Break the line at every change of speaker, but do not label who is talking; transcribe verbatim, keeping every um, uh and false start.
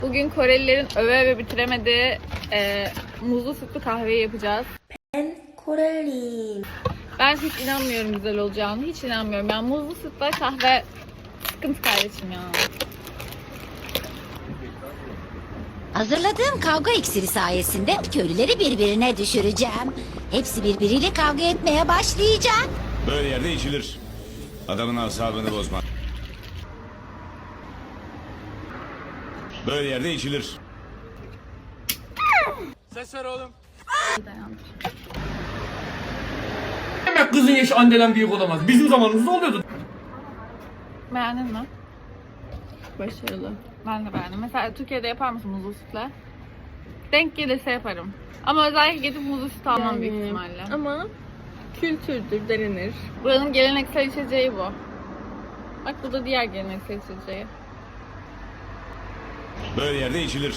Bugün Korelilerin öve öve bitiremediği e, muzlu sütlü kahveyi yapacağız.
Ben Koreliyim.
Ben hiç inanmıyorum güzel olacağını. Hiç inanmıyorum. Yani muzlu sütle kahve sıkıntı kardeşim ya.
Hazırladığım kavga iksiri sayesinde köylüleri birbirine düşüreceğim. Hepsi birbiriyle kavga etmeye başlayacak.
Böyle yerde içilir. Adamın asabını bozma. Böyle yerde içilir.
Ses ver oğlum.
Dayandır.
Demek kızın yaşı anneden büyük olamaz. Bizim zamanımızda oluyordu.
Beğendin mi? Başarılı. Ben de beğendim. Mesela Türkiye'de yapar mısın muzlu sütle? Denk gelirse yaparım. Ama özellikle gidip muzlu süt almam büyük ihtimalle.
Ama kültürdür, denenir.
Buranın geleneksel içeceği bu. Bak bu da diğer geleneksel içeceği.
Böyle yerde içilir.